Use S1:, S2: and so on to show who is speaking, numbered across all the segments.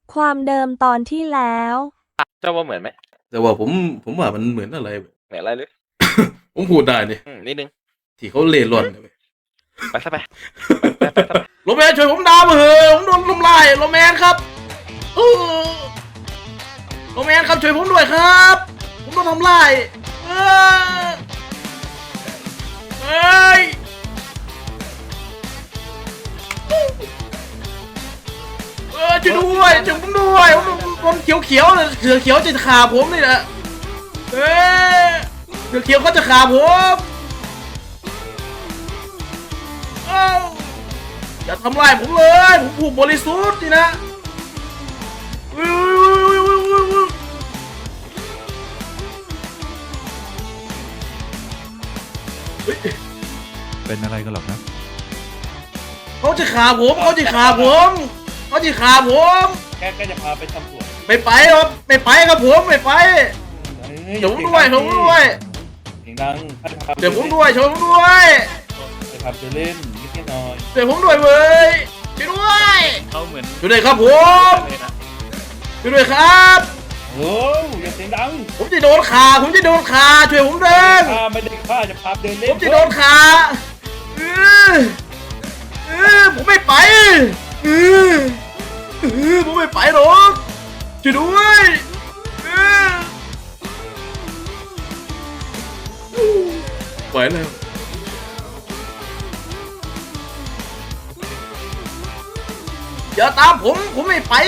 S1: ความเดิมตอนที่แล้ว
S2: เจ้าว่าเหมือนไหม
S3: แต่ว่าผมว่ามันเหมือนอะไร
S2: เหมือนอะไรหรือ
S3: ผมพูดได้ดิ
S2: นิดนึง
S3: ที่เขาเล่ร่อนเนี่ย
S2: ไปซะไปไป
S3: โรแมนช่วยผมดาวมาเถอะผมโดนทำลายโรแมนครับโรแมนครับช่วยผมด้วยครับ ผมโดนทำลายเฮ้ยช่วยด้วยช่วยผมด้วยผมโดนเขียวๆเสือเขียวจะขาผมนี่แหละเสือเขียวเขาจะขาผมอย่าทำลายผมเลยผมผูกบริสุทธิ์นี่นะ
S4: เป็นอะไรกันหรอกนะ
S3: เขาจะขาผมเขาจะขาผมเขาจะขาผม
S5: แกจะพาไปทำสวน
S3: ไม่ไปครับไม่ไปครับผมไม่ไปเดี๋ยวผมด้วยผมด้วย
S5: เสียงดังข้าจะพา
S3: เดี๋ยวผมด้วยช่วยผมด้วย
S5: จะพาไปเล่นนิดหน่อย
S3: เดี๋ยวผมด้วยเว้ยช่วยด้วย
S2: เขาเหมือน
S3: ช่วยด้วยครับผมช่วยด้วยครับ
S5: โอ้ยอย่าเสียงดัง
S3: ผมจะโดนขาผมจะโดนขาช่วยผมเดิน
S5: ข้าไม่ได้ข้าจะพาเดินเล่
S3: ผ
S5: น
S3: มจะโดนขาผมไม่ไปผมไม่ไปหรอกช่วยด้วยไปแล้วอย่าตามผมไม่ไป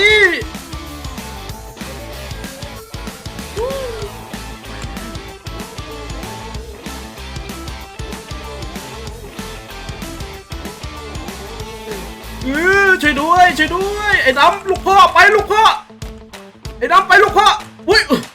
S3: ช่วยด้วยช่วยด้วยไอ้ดำลูกพ่อไปลูกพ่อไอ้ดำไปลูกพ่ออุ้ย